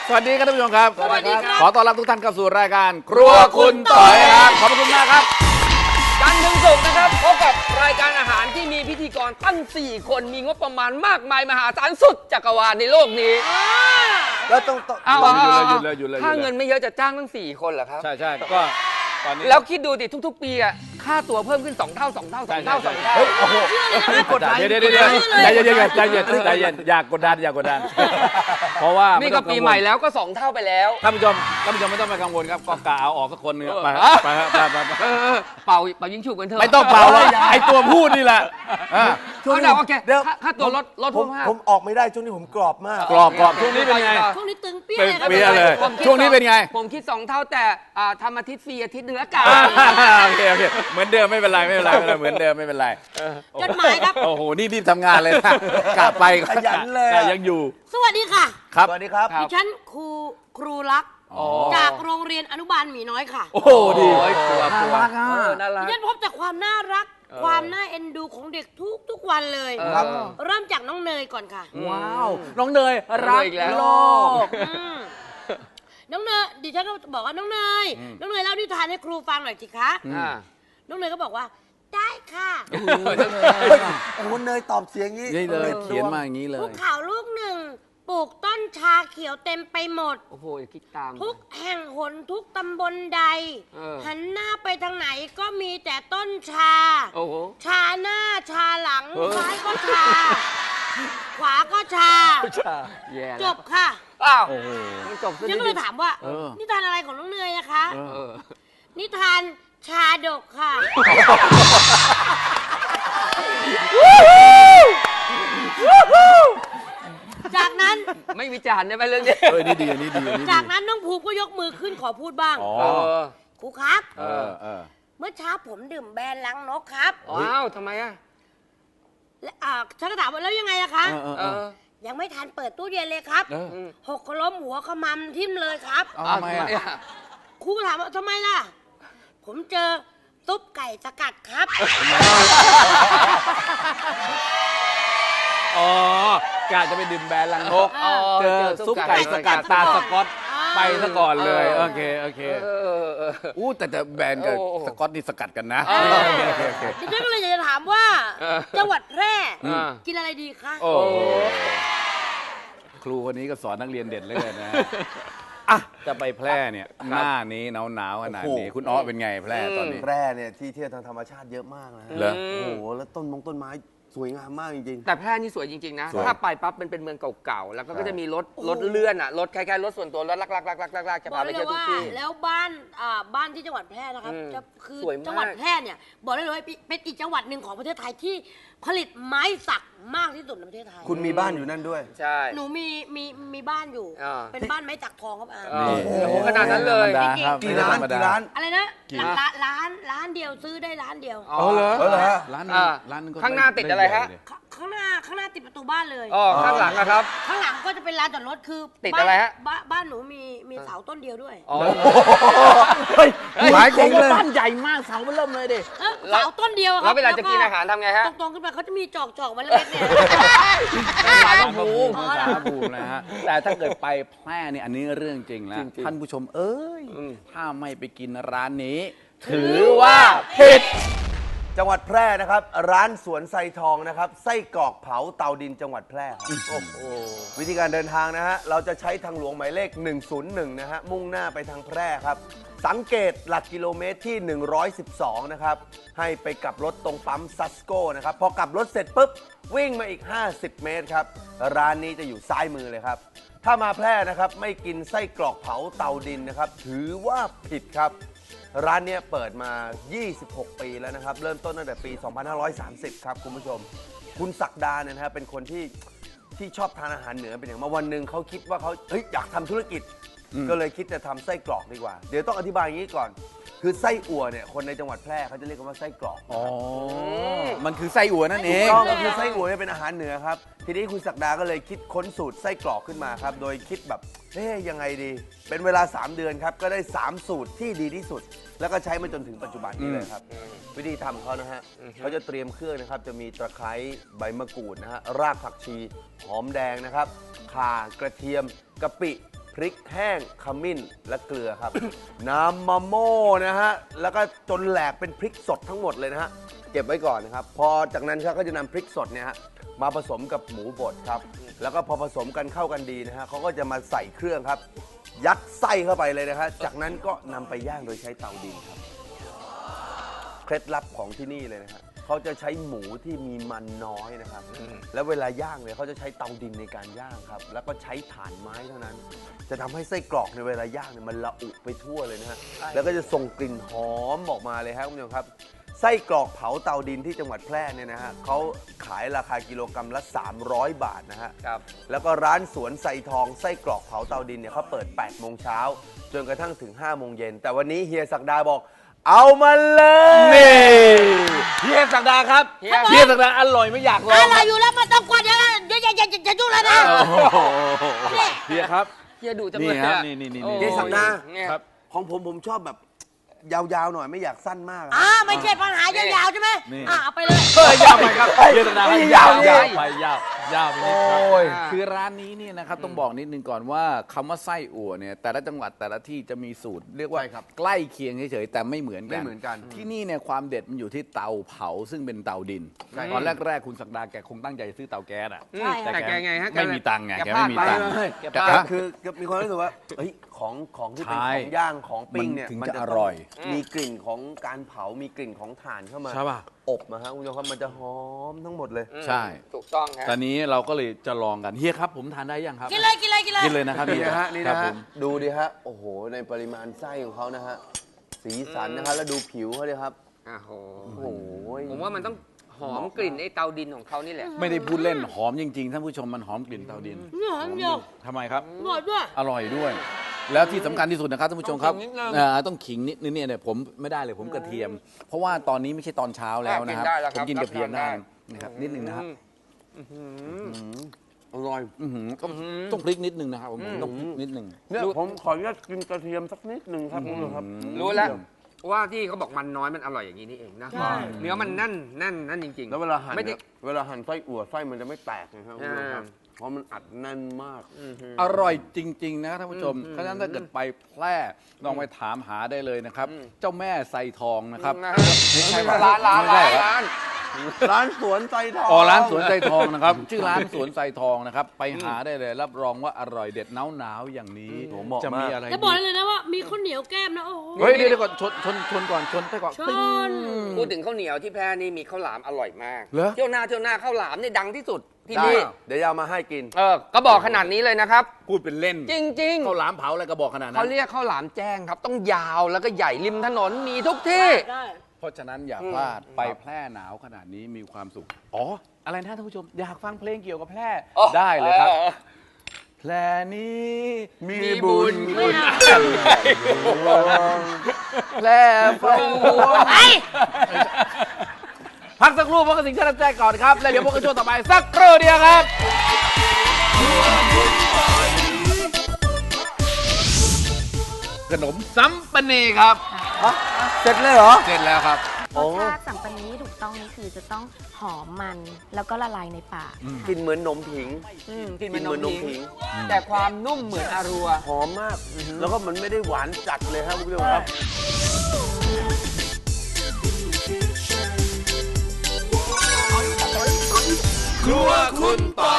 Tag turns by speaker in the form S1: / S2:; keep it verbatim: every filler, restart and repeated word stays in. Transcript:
S1: สวัสดีครับท่านผู้ชมครับ
S2: สวัสดีครับ
S1: ขอต้อนรับทุกท่านเข้าสู่รายการครัวคุณต่อยครับขอบคุณมากครับ
S2: จันทร์ถึงศุกร์นะครับพบกับรายการอาหารที่มีพิธีกรตั้งสี่คนมีงบประมาณมากมายมหาศาลสุดจักรวาลในโลกนี้
S3: แล้วต้องต้อง
S2: เอา
S1: ต้อง
S2: เอา
S1: หยุดเลยหยุดเลยหยุดเลย
S2: ถ้าเงินไม่เยอะจะจ้างตั้งสี่คนเหรอครับ
S1: ใช่ใช่ก็ตอนนี้
S2: แล้วคิดดูดิทุกๆปีอะค่าตั๋วเพิ่มขึ้นสองเท่าสองเท่าสองเท่าสองเท่า
S1: เฮ้ยโอ้โหกดดันเดี๋ยวเดี๋ยวเดี๋ยวใจเย็นใจเย็นใจเย็นอย่ากดดันอย่ากดดันเพราะว่า
S2: นี่ก็ปีใหม่แล้วก็สองเท่าไปแล้ว
S1: ท่านผู้ชมท่านผู้ชมไม่ต้องไปกังวลครับก็กะเอาออกสักคนนึงไปไปไปไป
S2: เออเออเป่าเป่ายิงฉุบกันเถอะ
S1: ไม่ต้องเป่าเลยไอตัวพูดนี่แหละอ่ะ
S2: เอาเดาโอเค
S3: เดี๋ยว
S2: ค่าค่าตัวลดลด
S3: ผม
S2: เพิ่มห้า
S3: ผมออกไม่ได้ช่วงนี้ผมกรอบมาก
S1: กรอบกรอบช่วงนี้เป็นไง
S4: ช่วงนี้ตึงเปี้ย
S1: เป็น
S4: เลยครับ
S1: เปี้ยเลย
S2: ผมคิด
S1: ช่วงนี้เป็นไง
S2: ผมคิดสองเท่าแต่อ่าทำอาทิตย์ฟรีอาทิตย์เนื้อกา
S1: โอเคโอเคเหมือนเดิมไม่เป็นไรไม่เป็นไรไม่เป็นไรเหมือนเดิมไม่เป็นไร
S4: จดหมายครับ
S1: โอ้โหนี่รีบทำงานเลยนะกลับไป
S3: ขยันเลย
S1: แต่ยังอยู่
S4: สวัสดีค่ะ
S1: ครับ
S3: สวัสดีครับ
S4: ดิฉันครูครูรัก
S1: อ๋อ
S4: จากโรงเรียนอนุบาลหมีน้อยค่ะ
S1: โอ้โหดี
S2: โอ้ยกลัวกลัว
S1: น่ารักอ่ะ
S2: เออน่ารั
S4: ดิ
S2: ก
S4: ฉันพบแต่ความน่ารัก ความน่าเอ็นดูของเด็กทุกทุกวันเลย
S2: ครับ
S4: เริ่มจากน้องเนยก่อนค่ะ
S1: ว้าวน้องเนยรัก
S2: อีกแล้ว
S1: โลก
S4: อืมน้องเนยดิฉันก็บอกว่าน้องเนย น้องเนยเล่านิทานให้ครูฟังหน่อยสิคะ
S2: อ่า
S4: น้องเนยก็บอกว่า ได้ค่ะ
S3: โอ้โหเนยตอบเสียงงี้
S1: นี่เลย
S3: น
S1: เขียนมาอย่างนี้เล
S4: ภู
S1: ย
S4: เขาลูกหนึ่งปลูกต้นชาเขียวเต็มไปหมด
S2: โอ้โหอย่าคิดตาม
S4: ทุกแห่งหนทุกตำบลใด
S2: เออ
S4: หันหน้าไปทางไหนก็มีแต่ต้นชา
S2: โอ้โห
S4: ชาหน้าชาหลัง
S2: เออ
S4: ซ้ายก็ชา ขวาก็ชา
S2: แย่แล้ว
S4: จบค่ะ
S2: อ้าว
S1: โอ้โห
S2: มันจบซะ
S4: ฉันก็เลยถามว่า
S1: เออ
S4: นิทานอะไรของน้องเนยนะคะ
S1: เอ
S2: เออ
S4: นิทานชาดกค่ะ จากนั้น
S2: ไม่วิจารณ์ได้ไหมเรื่องนี้
S1: เออนี่ดีอันนี่ดีอันนี่ดี
S4: จากนั้นน้องภูมิก็ยกมือขึ้นขอพูดบ้าง
S1: อ๋อ
S2: เออ
S4: ครูครับ
S1: เออเออ
S4: เมื่อเช้าผมดื่มแบรนด์ลังนกครับ
S2: อ้าวทำไมอ่ะ
S4: และอ่าฉันก็ถามว่าแล้วยังไงอะคะ
S1: เออเออ
S2: เอ
S1: เออ
S2: อ
S4: ยังไม่ทันเปิดตู้เย็นเลยครับ
S1: เออ
S2: อืม
S4: หกล้มหัวขมำทิ่มเลยครับ
S1: เอา
S2: อ้าว
S1: ทำไม
S2: ทำไม
S1: อ่ะ
S2: อ่ะ
S4: ครูก็ถามว่าทำไมล่ะ ผมเจอซุปไก่สกัดครับ
S1: อ๋อกะจะไปดื่มแบรนด์ลังนก
S4: อ๋อ
S1: เจอซุปไก่สกัดตาสก๊อต
S4: อ่า
S1: ไปซะก่อนเลย
S2: เออ
S1: โอเคโอเค
S2: เออเออ
S1: อู้แต่แต่แบรนด์กับ
S2: โอ้โอ้
S1: สก๊อตนี่สกัดกันนะ
S2: เออ
S1: โอเคโอเคโอเค
S4: ดิฉันก็เลยอยากจะถามว่า
S2: เออ
S4: จังหวัดแพร่
S2: อ่า
S4: กินอะไรดีคะ
S1: โอ้โหครูคนนี้ก็สอนนักเรียนเด็ดเลยนะอ่ะจะไปแพร่เนี่ยหน้านี้หนาวหนาวๆขนาดนี้
S3: โอ้โห
S1: คุณอ้อเป็นไงแพร่ตอนนี้
S3: แพร่เนี่ยที่เที่ยวทางธรรมชาติเยอะมากนะฮะ
S1: เหรอ
S3: โอ้โหแล้วต้นมงต้นไม้สวยงามมากจริง
S2: แต่แพร่นี่สวยจริง ๆ นะ
S1: สวย
S2: ถ้าไปปั๊บมันเป็นเมืองเก่าๆ แล้วก็
S3: ใช่
S2: จะมีรถรถเลื่อนอ่ะ รถคล้ายๆรถส่วนตัวรถลักๆๆๆๆจะ
S4: บอ
S2: พาก ไป
S4: ได้เล
S2: เที่ย
S4: ยว
S2: ทุก
S4: ว่า
S2: ที่
S4: แล้วบ้านอ่าบ้านที่จังหวัดแพร่นะครับ
S2: อืม
S4: จะคือ
S2: สวยมาก
S4: จังหวัดแพร่เนี่ยบอกได้เลยว่าเป็นอีกจังหวัดหนึ่งของประเทศไทยที่ผลิตไม้สักมากที่สุดในประเทศไทย
S3: ๆ คุณมีบ้านอยู่นั่นด้วย
S2: ใช่
S4: หนูมีมีมีบ้านอยู่
S2: อ่า
S4: เป็นบ้านไม้สักทองครับอา
S2: เออโอ้โหขนาดนั้นเลย
S1: ธรรมดาครับ
S3: กี่ร้าน
S1: ไม่ธรรมด
S3: กี่ร้าน
S4: อะไรนะ
S1: กี่
S4: ร้านร้านร้านเดียวซื้อได้ร้านเดียว
S2: อ๋อ
S1: เหรอ
S3: เออเหรอฮะ
S1: ร้านนึง
S2: อ่า
S1: ร้านนึงก็
S2: ข้างหน้าติดอะไรฮะ
S1: ม่ใหญ่เลย
S4: ขข้างหน้าข้างหน้าติดประตูบ้านเลย
S2: อ๋อข้างหลังนะครับ
S4: ข้างหลังก็จะเป็นลานจอดรถคือ
S2: ติด
S4: บ้าน
S2: อะไรฮะ
S4: บ้านบ้านหนูมีมีเสาต้นเดียวด้วย
S2: อ๋อ
S3: เฮ้ยหมายจริงเลย
S1: บ้านใหญ่มากเสาเริ่มเลยดิ
S4: เอ้าเสาต้นเดียวครั
S2: แล้วเวลาจะกินอาหารทำไงฮะ
S4: ตรงๆขึ้นไปเขาจะมีจอกจอกๆมันเล็กๆเนี่ย
S1: สารภูมิ
S4: อ๋อเหรอ
S1: สารภูมินะฮะแต่ถ้าเกิดไปแพร่นี่อันนี้เรื่องจริงแล้ว
S2: จริงๆ
S1: ท่านผู้ชมเอ้ย
S2: อืม
S1: ถ้าไม่ไปกินร้านนี้ ถือว่าผิด
S3: จังหวัดแพร่นะครับ ร้านสวนไซทองนะครับไส้กรอกเผาเตาดินจังหวัดแพร่ครับโอ้โหวิธีการเดินทางนะฮะเราจะใช้ทางหลวงหมายเลข หนึ่งศูนย์หนึ่ง นะฮะมุ่งหน้าไปทางแพร่ครับ สังเกตหลักกิโลเมตรที่ หนึ่งร้อยสิบสอง นะครับ ให้ไปกลับรถตรงปั๊มซัสโก้นะครับ พอกลับรถเสร็จปุ๊บ วิ่งมาอีก ห้าสิบ เมตรครับ ร้านนี้จะอยู่ซ้ายมือเลยครับ ถ้ามาแพร่นะครับไม่กินไส้กรอกเผาเตาดินนะครับถือว่าผิดครับ ร้านเนี้ยเปิดมา ยี่สิบหก ปีแล้วนะครับ เริ่มต้นตั้งแต่ปี สองพันห้าร้อยสามสิบ ครับคุณผู้ชม คุณศักดาเนี่ยนะครับเป็นคนที่ที่ชอบทานอาหารเหนือเป็นอย่างมากวันหนึ่งเขาคิดว่าเขาเฮ้ยอยากทำธุรกิจ ก็เลยคิดจะทำไส้กรอกดีกว่า เดี๋ยวต้องอธิบายอย่างนี้ก่อน คือไส้อั่วเนี่ยคนในจังหวัดแพร่เขาจะเรียกกันว่าไส้กรอก
S1: อ๋อ มันคือไส้อั่วนั่นเอ
S3: ถูก
S1: ง
S3: ต้องก็คือไส้อั่วเนี่ยเป็นอาหารเหนือครับ ทีนี้คุณศักดาก็เลยคิดค้นสูตรไส้กรอกขึ้นมาครับ โดยคิดแบบเอ๊ยยังไงดี เป็นเวลา สาม เดือนครับ ก็ได้ สาม สูตรที่ดีที่สุด แล้วก็ใช้มาจนถึงปัจจุบันนี้เลยครับ วิธีทำเขานะฮะเขาจะเตรียมเครื่องนะครับ จะมีตะไคร้ใบมะกรูดนะฮะ รากผักชี หอมแดงนะครับ ข่ากระเทียม กะปิ พริกแห้งขมิ้นและเกลือครับ น้ำมะโม่นะฮะแล้วก็จนแหลกเป็นพริกสดทั้งหมดเลยนะฮะเก็บไว้ก่อนนะครับพอจากนั้นครับก็จะนำพริกสดเนี่ยฮะมาผสมกับหมูบดครับแล้วก็พอผสมกันเข้ากันดีนะฮะเขาก็จะมาใส่เครื่องครับ ยัดไส้เข้าไปเลยนะฮะจากนั้นก็นำไปย่างโดยใช้เตาดินครับเคล็ดลับของที่นี่เลยนะฮะเขาจะใช้หมูที่มีมันน้อยนะครับแล้วเวลาย่างเนี่ยเขาจะใช้เตาดินในการย่างครับแล้วก็ใช้ถ่านไม้เท่านั้น จะทำให้ไส้กรอกในเวลาย่างเนี่ยมันละอุไปทั่วเลยนะฮะแล้วก็จะส่งกลิ่นหอมออกมาเลยครับคุณผู้ชมครับไส้กรอกเผาเตาดินที่จังหวัดแพร่เนี่ยนะฮะเขาขายราคากิโลกรัมละสามร้อยบาทนะฮะ
S2: ครับ
S3: แล้วก็ร้านสวนไซทองไส้กรอกเผาเตาดินเนี่ยเขาเปิดแปดโมงเช้าจนกระทั่งถึงห้าโมงเย็นแต่วันนี้เฮียศักดาบอกเอามาเลย
S1: นี่เฮียศักดาครับ
S2: เฮีย
S1: เฮียศักดาอร่อยไม่อยากลอง
S4: อะไรอยู่แล้วไมันต้องกวนเดี๋ยวนะเดี๋ยวอย่าอย่าอย่าอย่ายุ่งเลยนะ
S1: โอ้โหเฮียครับ
S2: เฮียดูจังเลย
S1: นี่ครับ
S2: อะ
S1: นี่นี่นี่
S2: โอ้
S3: เฮียศักดา
S2: เนี่ย
S1: ครับ
S3: ของผมผมชอบแบบยาวๆหน่อยไม่อยากสั้นมากอะ
S4: อ่าไม่ใช่ปัญหายาวๆใช่ไหม
S1: นี่
S4: อ่าเอาไปเลย
S1: เฮ้ยยาวไปครับเฮียศักดาครับยาวยาวไปยาวยาวไปนิดครับ
S3: โอ้ย
S1: คือร้านนี้เนี่ยนะครับต้องบอกนิดนึงก่อนว่าคำว่าไส้อั่วเนี่ยแต่ละจังหวัดแต่ละที่จะมีสูตร เรียกว่า
S3: ใช่ครับ
S1: ใกล้เคียงเฉยๆแต่ไม่เหมือนกัน
S3: ไม่เหมือนกัน
S1: ที่นี่เนี่ยความเด็ดมันอยู่ที่เตาเผาซึ่งเป็นเตาดิน
S3: ใช่
S1: ตอนแรกๆคุณศักดาแกคงตั้งใจซื้อเตาแก๊สอ่ะ
S2: ใช่ค่ะแต่แกไงฮะ
S1: ไม่มีตังค์ไง
S2: แก
S1: แก
S2: พลา
S1: ไม่
S2: ด
S1: มี
S2: ไป
S1: ตังค์
S2: เลยแกพลาด
S1: ฮะ
S3: คือคือมีความรู้สึกว่าเฮ้ยของของที่เป็น
S1: ใช่
S3: ของย่างของปิ้งเนี่ย
S1: มันถึง
S3: มั
S1: จะ
S3: จะ
S1: อ
S3: ต้ง
S1: ร่อย
S3: มีกลิ่นของการเผามีกลิ่นของถ่านเข้ามา
S1: ใช่ป่ะ
S3: อบนะฮะคุณผู้ชมครับมันจะหอมทั้งหมดเลย
S1: ใช่
S2: ถูกต้องครับ
S1: ตอนนี้เราก็เลยจะลองกันเฮียครับผมทานได้ยังครับ
S4: กินเลยกินเลยกินเลย
S1: กินเลยนะครับ
S3: นี่
S1: เฮีย
S3: นะฮะนี่
S1: ครั
S3: นะ
S1: บผ
S3: ฮะ
S1: ม
S3: ดูดิฮะโอ้โหในปริมาณไส้ของเขานะฮะสีสันนะครับแล้วดูผิวเขาเลยครับ
S2: โอ้โห
S3: โอ้โห
S2: ผมว่ามันต้องหอมกลิ่นไอ้เตาดินของเขานี่แหละ
S1: ไม่ได้พูดเล่นหอมจริงๆท่านผู้ชมมันหอมกลิ่นเตาดิน
S4: นี่หอมเดียว
S1: ทำไมครับ
S4: หมดด้วย
S1: อร่อยด้วย แล้วที่สำคัญที่สุดนะครับท่านผู้ชมครับ
S2: ต้องขิงนิดนึง
S1: เอ่อต้องขิงนิดนึงเนี่ยเนี่ยผมไม่ได้เลยผมกระเทียม เพราะว่าตอนนี้ไม่ใช่ตอนเช้าแล้วนะครับ
S2: ได้แล้ว
S1: ผ
S2: ครั
S1: ม
S2: บ
S1: กินกระเทียมได้
S2: รับ
S1: นะครับนิดนึงนะครับ
S3: อร่อย
S1: อื้อหือต้องต้องพริกนิดนึงนะครับผมต้องพริกนิดนึง
S3: เนี่ยผมขออนุญาตกินกระเทียมสักนิดหนึ่งครับคุณผู้ชมครับ
S2: รู้แล้วว่าที่เขาบอกมันน้อยมันอร่อยอย่างนี้นี่เองนะ
S4: ใช่
S2: เนื้อมันแนั่นแน่นแนั่นจริงๆ
S3: แล้วเวลาหั่น
S2: ไม่ได้
S3: เนี่ยเวลาหั่นไส้อั่วไส้มันจะไม่แตกนะครับคุณผู้ชมครับ
S2: อ่า
S3: เพราะมันอัดแน่นมาก
S1: อร่อยจริง ๆ นะครับท่านผู้ชม เพราะฉะนั้นถ้าเกิดไปแพร่ลองไปถามหาได้เลยนะครับ เจ้าแม่ไซทองนะครับ
S2: นะฮะ
S1: ไม่ใช่
S2: ไม่ใช่ร้านร้าน
S1: ไม่ใช่
S2: ร้าน
S1: เหรอ
S2: ร้าน
S3: ร้านสวนไซทอง
S1: อ๋อร้านสวนไซทองนะครับ ชื่อร้านสวนไซทองนะครับ ไปหาได้เลย รับรองว่าอร่อยเด็ดหนาวๆอย่างนี้
S3: โอ้เหมาะ
S1: จะมี
S3: มาก
S1: อะไร
S4: จะบอก
S1: ดี
S4: ได้เลยนะว่ามีข้าวเหนียวแก้มนะโอ้โห
S1: เฮ้ยเดี๋ยวเดี๋ยวก่อนชนชนชนก่อนชนไปก่อน
S4: ชน
S1: ตึ้ง
S2: พูดถึงข้าวเหนียวที่แพร่นี่มีข้าวหลามอร่อยมาก
S1: เหรอ
S2: เที่ยวหน้าเที่ยวหน้าข้าวหลามนี่ดังที่สุดที่
S3: ได้
S2: นี่
S3: เดี๋ยวจะเอามาให้กิน
S2: เออก็บอกขนาดนี้เลยนะครับ
S1: พูดเป็นเล่น
S2: จริง
S1: ข้าวหลามเผาอะไรก็บอกขนาด
S2: ๆ
S1: นั้
S2: เขา
S1: น
S2: เรียกข้าวหลามแจ้งครับ ต้องยาวแล้วก็ใหญ่ริมถนนมีทุกที่
S4: ได้
S1: เพราะฉะนั้นอย่า
S2: อืม
S1: พลาดไปแพร่หนาวขนาดนี้มีความสุข อ๋อ อะไรนะท่านผู้ชม อยากฟังเพลงเกี่ยวกับแพร่
S2: อ๋อ
S1: ได้เลยครับ
S2: ออ
S1: แพร่นี้มี
S2: มีบุ
S1: บุ
S2: ญ
S1: ญ
S4: ไม่เอา
S1: แพร่ฟังวัว
S4: ไอ้
S1: พักสักครู่พวกกระสิงห์ชาติแจ้ก่อนครับ แล้วเดี๋ยวพวกกระช่วงต่อไปสักครู่เดียวครับ ขนมซัมปะเนครับ
S3: เสร็จเลยเหรอ
S1: เสร็จแล้วครับ
S3: โอ้
S5: รสชาติสัมปันนี้ถูกต้องนี่คือจะต้องหอมมันแล้วก็ละลายในปาก
S3: กินเหมือนนมผิง
S2: อืมกิน
S3: กินเหมือนนม
S2: ผิ
S3: ผิง
S2: แต่ความนุ่มเหมือนอารัว
S3: หอมมาก แล้วก็มันไม่ได้หวานจัดเลยครับคุณผู้ชมครับ
S1: ครัวคุณต่อ